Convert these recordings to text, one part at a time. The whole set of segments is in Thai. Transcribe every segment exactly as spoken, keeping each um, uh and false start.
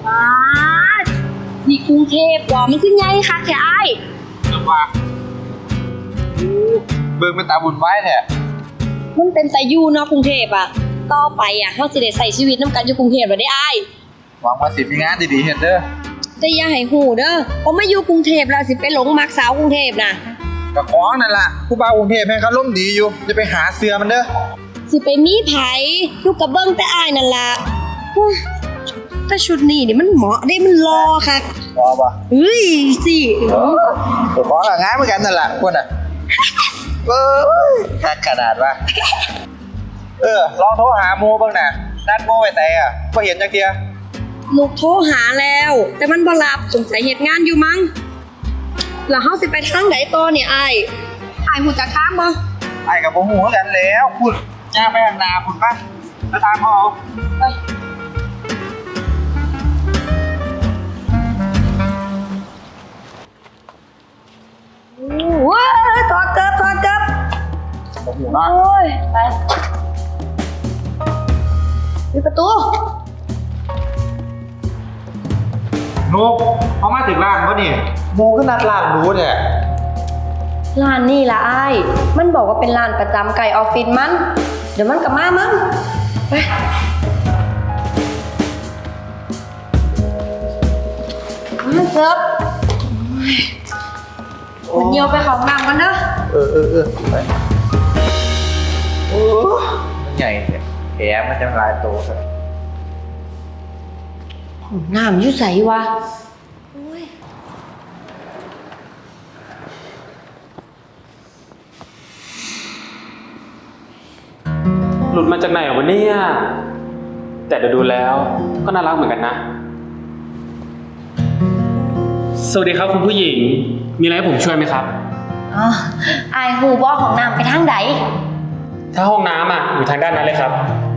ว้านี่กรุงเทพบ่มันขึ้นไงคะแค่ไอ้เรื่องว่าเบิ่งเป็นตาบุญไว้แท้มันเป็นแต่อยู่เนาะกรุงเทพอ่ะต่อไปอ่ะเฮาสิได้ใช้ชีวิตนำกันอยู่กรุงเทพแล้วได้อ้ายหวังว่าสิมีงานดีๆเฮ็ดเด้อแต่อย่าให้ฮู้เด้อพอมาอยู่กรุงเทพแล้วสิไปหลงมักสาวกรุงเทพน่ะก็ของนั่นล่ะผู้บ่าวกรุงเทพแม่งเขาล้มดีอยู่จะไปหาเสือมันเด้อสิไปมีไผลูกก็เบิ่งแต่อ้ายนั่นล่ะแต่ชุดนี้นี่มันเหมาะเด้มันรอค่ะรอป่ะเฮ้ยสิตัวของก็งานเหมือนกันนั่นล่ะพวกน่ะเอ้ยคักขนาดว่าเออลองโทรหาโมบ้างน่ะนัดโมไว้แต่อ่ะบ่เห็นจักเที่ยลูกโทรหาแล้วแต่มันบ่รับสงสัยเฮ็ดงานอยู่มั้งแล้วเฮาสิไปทางไหนต่อเนี่ยอ้ายอ้ายฮู้จักทางบ่ไอ้ก็บ่ฮู้คือกันแล้วพุ่นย่างไปข้างหน้าพุ่นป่ะไปตามพ่อเอาไปว้าถอดเกิบถอดเกิบบ่ฮู้เนาะโอ้ยไปปิดประตูนกเขามาถึงร้านเขานี่โมก็นัดร้านรู้เนี่ยร้านนี่ล่ะอ้ายมันบอกว่าเป็นร้านประจำไก่ออฟฟิศมันเดี๋ยวมันกลับมามั้งไปมันเกิบมันเยียวไปของน้ำกันเด้อเออเออเออไปโอ้มันใหญ่เนี่ยแผลมันจะลายโตครับน้ำอยู่ใสวะหลุดมาจากไหนวะเนี่ยแต่เดี๋ยวดูแล้วก็น่ารักเหมือนกันนะสวัสดีครับคุณผู้หญิงมีอะไรให้ผมช่วยไหมครับอ๋อไอหูบอของน้ำไปทางไหนถ้าห้องน้ำอ่ะอยู่ทางด้านนั้นเลยครับ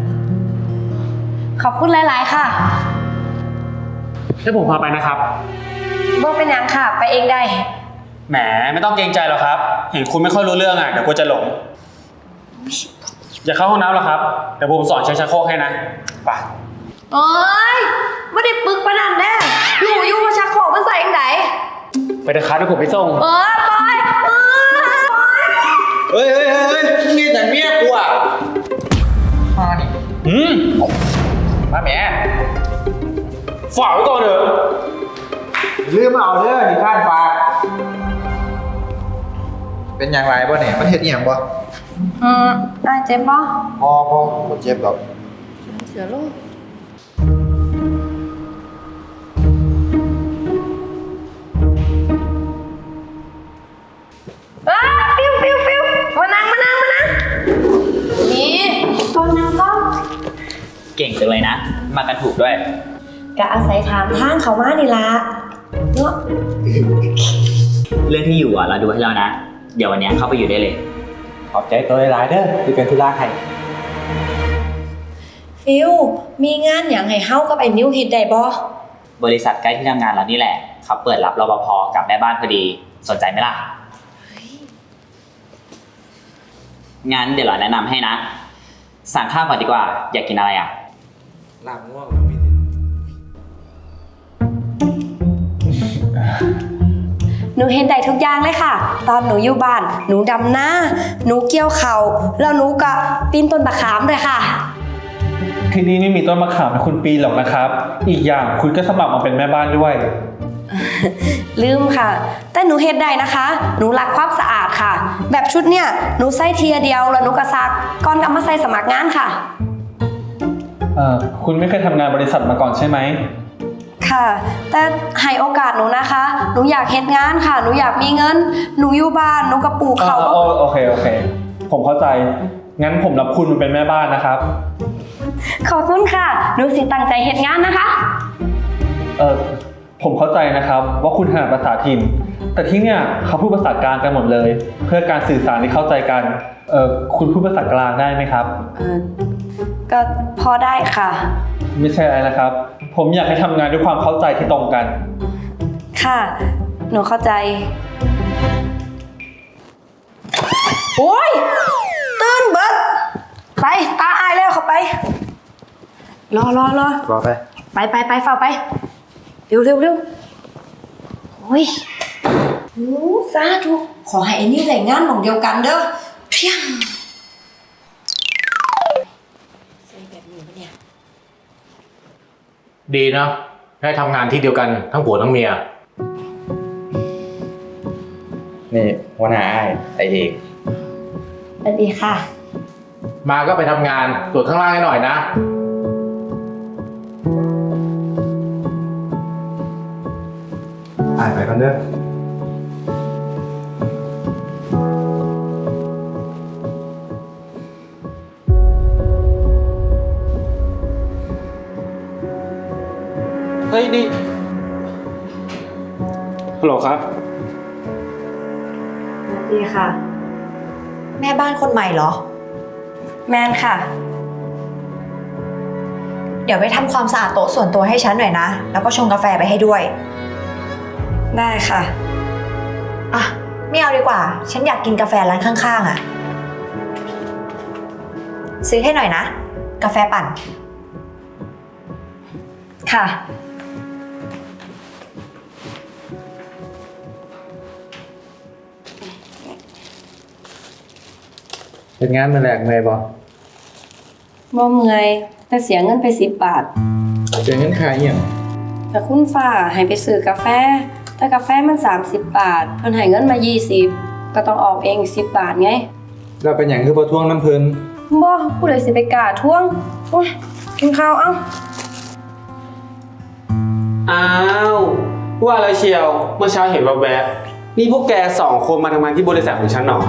ขอบคุณหลายๆค่ะให้ผมพาไปนะครับบ่เป็นยังค่ะไปเองได้แหมไม่ต้องเกรงใจหรอกครับเห็นคุณไม่ค่อยรู้เรื่องอ่ะเดี๋ยวกลัวจะหลงอย่าเข้าห้องน้ำหรอกครับเดี๋ยวผมสอนใช้ชักโครกให้นะไปโอ้ยไม่ได้ปึกปะนันแน่อยู่อยู่มาชักโครกมันใส่ยังไงไปเถอะครับเดี๋ยวผมไปส่งเออไปเฮ้ยเฮ้ยเฮ้ยมีแต่เมียกูอ่ะมาดิอืมมาแม่ฝากไว้ก่อนเถอะลืมเอาเด้อนี่ข้านฝากเป็นอย่างไรบ่เนี่ยมันเฮ็ดอีหยังบ่อืมอ่ะเจ็บบ่พอพอบ่เจ็บดอกเสือลูกอ้าฟิวฟิวฟิวมานั่งมานั่งมานั่งนี่ก่อนนั่งก่อนเก่งจังเลยนะมากันถูกด้วยกะอาศัยถามทางเขามานี่ละเนาะเรื่องที่อยู่อ่ะเราดูให้แล้วนะเดี๋ยววันนี้เข้าไปอยู่ได้เลยขอบใจตัวหลายๆเด้อที่เป็นธุระให้ฟิวมีงานอย่างให้เฮากับไอ้นิ้วเฮ็ดได้บ่บริษัทใกล้ที่ทำงานเรานี่แหละเขาเปิดรับรปภกับแม่บ้านพอดีสนใจไหมล่ะงั้นเดี๋ยวเราแนะนำให้นะสั่งข้าวก่อนดีกว่าอยากกินอะไรอ่ะลาบง่วงหนูเห็นได้ทุกอย่างเลยค่ะตอนหนูอยู่บ้านหนูดำนาหนูเกี่ยวเข่าแล้วหนูก็ปีนต้นมะขามเลยค่ะที่นี่ไม่มีต้นมะขามให้คุณปีนหรอกนะครับอีกอย่างคุณก็สมัครมาเป็นแม่บ้านด้วยลืมค่ะแต่หนูเฮ็ดได้นะคะหนูรักความสะอาดค่ะแบบชุดเนี่ยหนูใส่เทียเดียวแล้วหนูก็ซักก่อนกลับมาใส่สมัครงานค่ะเอ่อคุณไม่เคยทำงานบริษัทมาก่อนใช่ไหมค่ะแต่ให้โอกาสหนูนะคะหนูอยากเฮ็ดงานค่ะหนูอยากมีเงินหนูอยู่บ้านหนูก็ปลูกเขาก็โอเคโอเคผมเข้าใจงั้นผมรับคุณมาเป็นแม่บ้านนะครับขอบคุณค่ะหนูสิตั้งใจเฮ็ดงานนะคะเออผมเข้าใจนะครับว่าคุณถนัดภาษาถิ่นแต่ที่เนี่ยเขาพูดภาษากลางกันหมดเลยเพื่อการสื่อสารที่เข้าใจกันเออคุณพูดภาษากลางได้ไหมครับเออก็พอได้ค่ะไม่ใช่อะไรนะครับผมอยากให้ทำงานด้วยความเข้าใจที่ตรงกันค่ะหนูเข้าใจโอ้ยตื่นเบิดไปตาอายแล้วเข้าไปรอรอรอรอไปไปไปไปฝ่าไป เร็วเร็วเร็วโอ้ยโอ้สาธุขอให้ไอ้นี่ได้งานหม่องเดียวกันเด้อเพียงใส่แบบนี้ปะเนี่ยดีเนาะได้ทำงานที่เดียวกันทั้งผัวทั้งเมียนี่หัวหน้าไอ้ไอเอกสวัสดีค่ะมาก็ไปทำงานตรวจข้างล่างให้หน่อยนะอ่านไปกันเด้อเฮ้ยนี่ฮัลโหลครับสวัสดีค่ะแม่บ้านคนใหม่เหรอแมนค่ะเดี๋ยวไปทำความสะอาดโต๊ะส่วนตัวให้ฉันหน่อยนะ แล้วก็ชงกาแฟไปให้ด้วยได้ค่ะอ่ะ ไม่เอาดีกว่า ฉันอยากกินกาแฟร้านข้างๆอ่ะ ซื้อให้หน่อยนะ กาแฟปั่นค่ะเป็นงานมาแหลกเมย์บอบ่เมื่อยแต่เสียเงินไปสิบบาทเจอเงินขายอย่างแต่คุณฟ้าให้ไปซื้อกาแฟ แต่กาแฟมันสามสิบบาท เพิ่นให้เงินมายี่สิบก็ต้องออกเองสิบบาทไงเราเป็นอย่างคือประท้วงน้ำเพลินบ่ผู้ใดสิไปกล้าทวงโอ้ยกินข้าวเอ้าอ้าวว่าแล้วเชียวเมื่อเช้าเห็นแวบๆนี่พวกแกสองคนมาทำงานที่บริษัทของฉันหรอ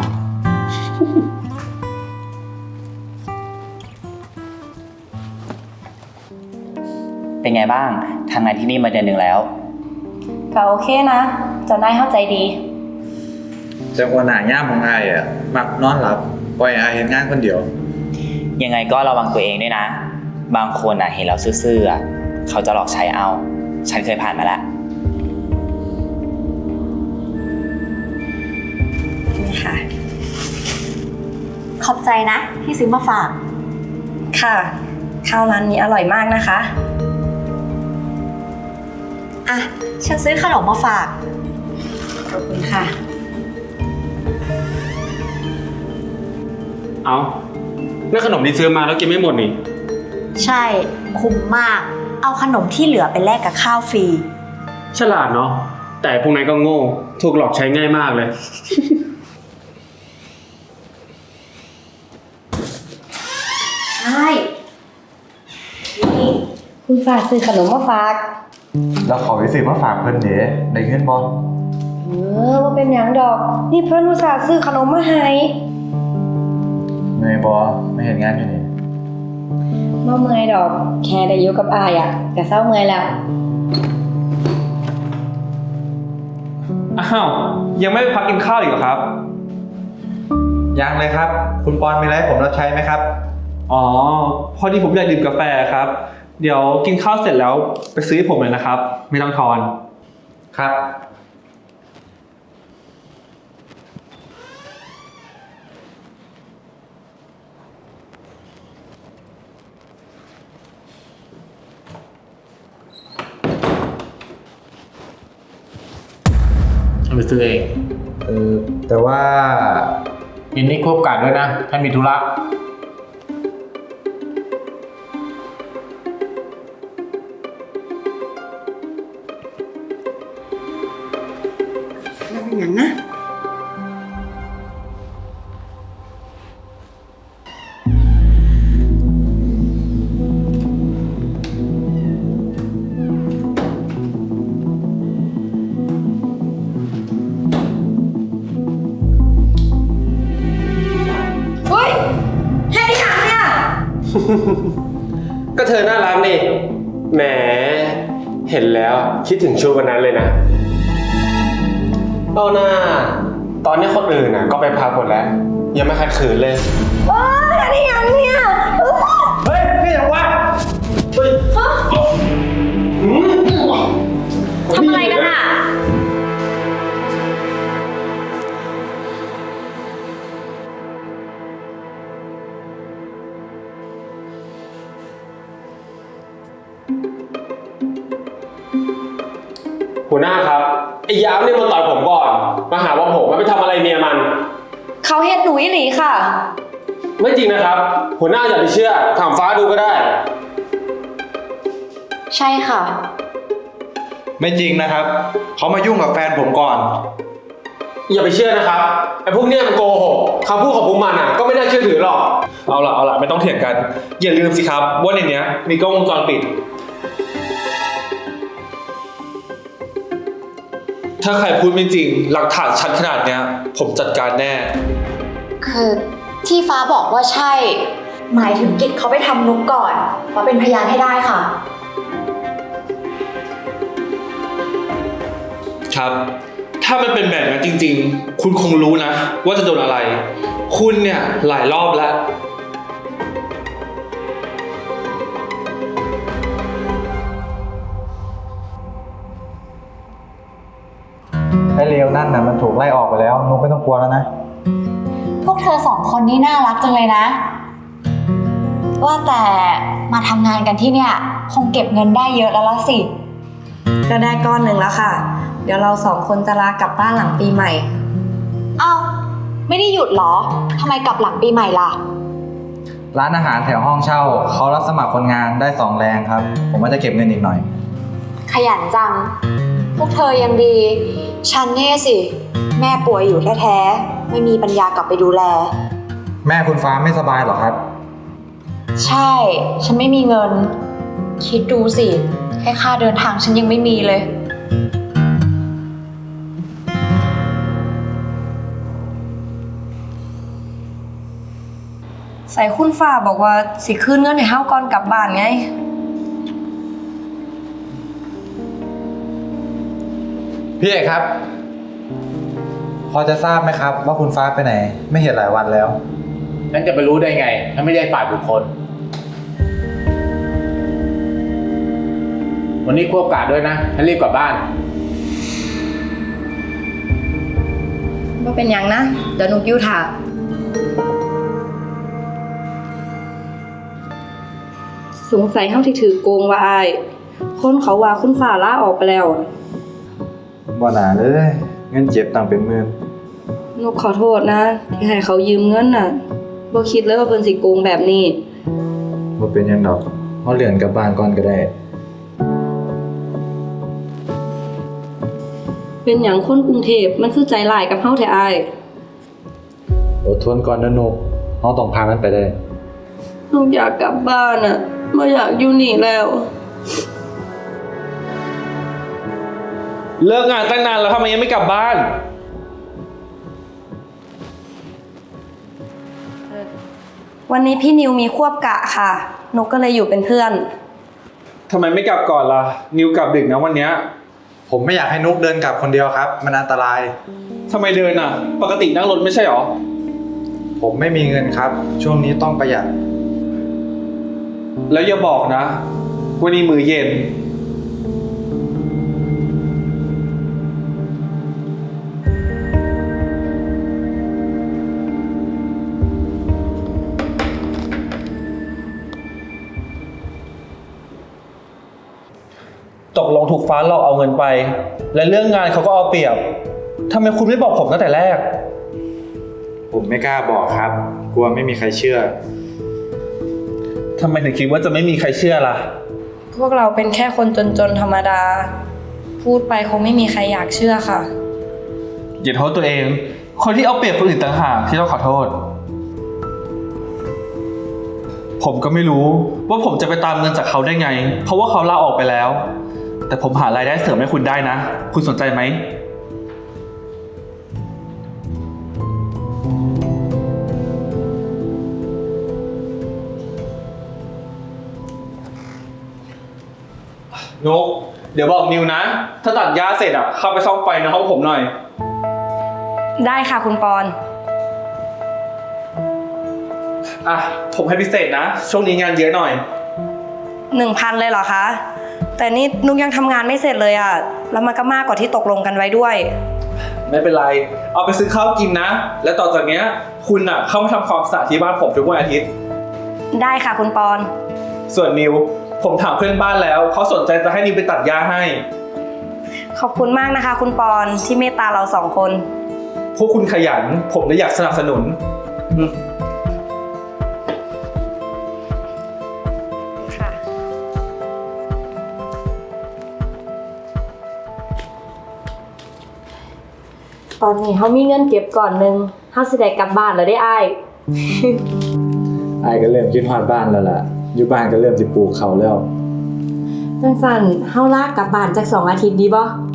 เป็นไงบ้างทำงานที่นี่มาเดือนหนึ่งแล้วก็โอเคนะเจ้านายเข้าใจดีแต่หัวหน้าย่ามของไอ้อะมักนอนหลับปล่อยไอ้เห็นงานคนเดียวยังไงก็ระวังตัวเองด้วยนะ บางคนอ่ะเห็นเราซื่อๆอ่ะเขาจะหลอกใช้เอา ฉันเคยผ่านมาแล้วนี่ค่ะขอบใจนะ ที่ซื้อมาฝากค่ะ ข้าวร้านนี้อร่อยมากนะคะอ่ะ ฉันซื้อขนมมาฝากขอบคุณค่ะเอานั่นขนมที่ซื้อมาแล้วกินไม่หมดนี่ใช่ คุ้มมาก เอาขนมที่เหลือไปแลกกับข้าวฟรีฉลาดเนาะ แต่พวกนั้นก็โง่ ถูกหลอกใช้ง่ายมากเลยใช่นี่คุณฝากซื้อขนมมาฝากแล้วขอไปซื้อมาฝากเพิ่นเด้ได้เงินบอเออว่าเป็นอย่างดอก นี่เพื่อนอุตส่าห์ซื้อขนมมาให้เมย์บอไม่เห็นงานอยู่นี่บ่เมื่อยดอก แค่ได้อยู่กับอายอะก็เศร้าเมื่อยแล้วอ้าว ยังไม่ไปพักกินข้าวอีกเหรอครับยังเลยครับ คุณปอนมีอะไรให้ผมรับใช้ไหมครับอ๋อ พอดีผมอยากดื่มกาแฟครับ เดี๋ยวกินข้าวเสร็จแล้วไปซื้อให้ผมเลยนะครับ ไม่ต้องทอนครับไปซื้อเองเออแต่ว่ายินนี่ควบกันด้วยนะ ถ้ามีธุระแล้วเป็นอย่างนะ เฮ้ยแค่นี้อย่างเนี่ยก็เธอน่ารักนี่ แหม เห็นแล้วคิดถึงช่วงวันนั้นเลยนะ เอาหน้า ตอนนี้คนอื่นน่ะก็ไปพักหมดแล้ว ยังไม่ขัดขืนเลยเอ้ยอันนี้ยังเนี่ยเอ้ยเฮ้ยนี่อย่างวะเฮ้ยทำอะไรกันอ่ะหัวหน้าครับไอ้ยามเนี่ยมันต่อยผมก่อนมาหาว่าผมไม่ไปทำอะไรเมียมันเขาเฮ็ดหนูอีหลีค่ะไม่จริงนะครับ หัวหน้าอย่าไปเชื่อถามฟ้าดูก็ได้ใช่ค่ะไม่จริงนะครับ เขามายุ่งกับแฟนผมก่อนอย่าไปเชื่อนะครับไอ้พวกเนี้ยมันโกหกคำพูดของพวกมันอ่ะก็ไม่น่าเชื่อถือหรอกเอาล่ะเอาล่ะไม่ต้องเถียงกัน อย่าลืมสิครับว่าในเนี้ยมีกล้องวงจรปิด ถ้าใครพูดไม่จริง หลักฐานชัดขนาดเนี้ย ผมจัดการแน่คือที่ฟ้าบอกว่าใช่ หมายถึงกิจเขาไปทำนุกก่อนฟ้าเป็นพยานให้ได้ค่ะครับ ถ้ามันเป็นแบบนั้นจริงๆ คุณคงรู้นะ ว่าจะโดนอะไร คุณเนี่ยหลายรอบแล้วไอ้เลวนั่นน่ะมันถูกไล่ออกไปแล้วนุกไม่ต้องกลัวแล้วนะพวกเธอสองคนนี่น่ารักจังเลยนะ ว่าแต่มาทำงานกันที่เนี่ยคงเก็บเงินได้เยอะแล้วละสิก็ได้ก้อนหนึ่งแล้วค่ะ เดี๋ยวเราสองคนจะลากลับบ้านหลังปีใหม่เอ้าไม่ได้หยุดเหรอทำไมกลับหลังปีใหม่ล่ะร้านอาหารแถวห้องเช่าเขารับสมัครคนงานได้สองแรงครับ ผมว่าจะเก็บเงินอีกหน่อยขยันจัง พวกเธอยังดี ฉันเนี่ยสิ แม่ป่วยอยู่แท้ๆไม่มีปัญญากลับไปดูแลแม่คุณฟ้าไม่สบายเหรอครับใช่ ฉันไม่มีเงิน คิดดูสิ แค่ค่าเดินทางฉันยังไม่มีเลยใส่คุณฟ้าบอกว่าสิคืนเงินให้เฮาก่อนกลับบ้านไงพี่เอกครับ พอจะทราบไหมครับ ว่าคุณฟ้าไปไหน ไม่เห็นหลายวันแล้วฉันจะไปรู้ได้ไง ถ้าไม่ได้ฝ่ายบุคคล วันนี้ควบกาดด้วยนะฉันรีบกลับบ้านว่าเป็นหยังนะ เดี๋ยวนุกอยู่ถ่าสงสัยเฮาที่ถือโกงว่าอาย คนเขาว่าคุณฟ้าลาออกไปแล้วบ่หนาเลยเงินเจ็บต่างเป็นหมื่นนุกขอโทษนะ ที่ให้เขายืมเงินน่ะบ่คิดเลยว่าเพิ่นสิโกงแบบนี้บ่เป็นหยังดอกเขาเลื่อนกลับบ้านก่อนก็ได้เป็นหยังคนกรุงเทพมันคือใจร้ายกับเฮาแท้อายอดทนก่อนนะนุกเขาต้องพามันไปได้นุกอยากกลับบ้านอ่ะบ่อยากอยู่นี่แล้วเลิกงานตั้งนานแล้วทำไมยังไม่กลับบ้านวันนี้พี่นิวมีควบกะค่ะ นุกก็เลยอยู่เป็นเพื่อนทำไมไม่กลับก่อนล่ะ นิวกลับดึกนะวันเนี้ยผมไม่อยากให้นุกเดินกลับคนเดียวครับ มันอันตรายทำไมเดินอ่ะ ปกตินั่งรถไม่ใช่หรอผมไม่มีเงินครับ ช่วงนี้ต้องประหยัดแล้วอย่าบอกนะวันนี้มื้อเย็น ตกลงถูกฟ้าหลอกเอาเงินไป และเรื่องงานเขาก็เอาเปรียบทำไมคุณไม่บอกผมตั้งแต่แรกผมไม่กล้าบอกครับ กลัวไม่มีใครเชื่อทำไมถึงคิดว่าจะไม่มีใครเชื่อล่ะพวกเราเป็นแค่คนจนๆธรรมดา พูดไปคงไม่มีใครอยากเชื่อค่ะอย่าโทษตัวเอง คนที่เอาเปรียบคนอื่นต่างหากที่ต้องขอโทษ ผมก็ไม่รู้ว่าผมจะไปตามเงินจากเขาได้ไง เพราะว่าเขาลาออกไปแล้ว แต่ผมหารายได้เสริมให้คุณได้นะ คุณสนใจไหม นุกเดี๋ยวบอกนิวนะ ถ้าตัดหญ้าเสร็จอ่ะ เข้าไปซ่อมไฟในห้องผมหน่อยได้ค่ะคุณปอนอ่ะ ผมให้พิเศษนะ ช่วงนี้งานเยอะหน่อยหนึ่งพันเลยเหรอคะ แต่นี่นุกยังทำงานไม่เสร็จเลยอะแล้วมันก็มากกว่าที่ตกลงกันไว้ด้วยไม่เป็นไร เอาไปซื้อข้าวกินนะ และต่อจากเนี้ย คุณอ่ะ เข้ามาทำความสะอาดที่บ้านผมทุกวันอาทิตย์ได้ค่ะคุณปอนส่วนนิว ผมถามเพื่อนบ้านแล้ว เขาสนใจจะให้นิวไปตัดหญ้าให้ขอบคุณมากนะคะ คุณปอนที่เมตตาเราสองคนพวกคุณขยัน ผมเลยอยากสนับสนุนอืมค่ะ ตอนนี้เขามีเงินเก็บก่อนหนึ่งเขาสิได้กลับบ้านแล้วได้อ้ายไอ้ายก็เริ่มคิดฮอดบ้านแล้วล่ะ อยู่บ้านก็เริ่มสิปลูกเขาวแล้วจังสันเฮาลากกลับบ้านจากสองอาทิตย์ดีบ่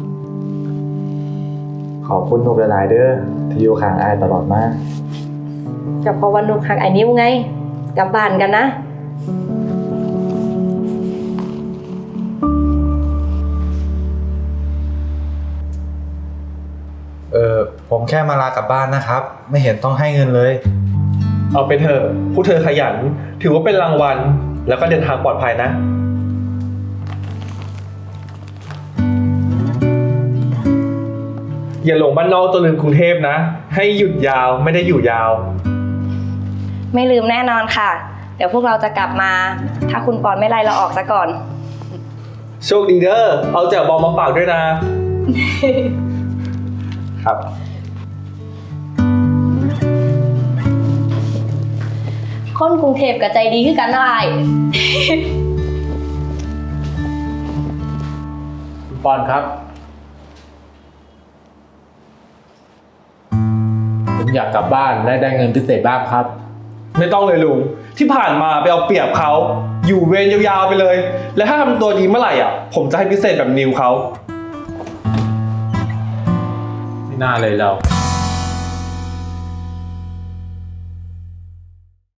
ขอบคุณนุกหลายๆเด้อที่อยู่ข้างไอ้ายตลอดมาก็เพราะว่านุกหักไอ้นิ้วไง กลับบ้านกันนะเออผมแค่มาลากลับบ้านนะครับ ไม่เห็นต้องให้เงินเลยเอาไปเถอะพวกเธอขยัน ถือว่าเป็นรางวัล แล้วก็เดินทางปลอดภัยนะ อย่าหลงบ้านนอกจนลืมกรุงเทพนะ ให้หยุดยาวไม่ได้อยู่ยาวไม่ลืมแน่นอนค่ะ เดี๋ยวพวกเราจะกลับมา ถ้าคุณปอนไม่ไล่เราออกซะก่อนโชคดีเด้อ เอาแจ่วบองมาฝากด้วยนะครับคนกรุงเทพกับใจดีคือกันนะอ้ายคุณปอนครับ ผมอยากกลับบ้านและได้เงินพิเศษบ้างครับไม่ต้องเลยลุง ที่ผ่านมาไปเอาเปรียบเขา อยู่เวรยาวๆไปเลย และถ้าทำตัวดีเมื่อไหร่อ่ะ ผมจะให้พิเศษแบบนิวเขาไม่น่าเลยเรา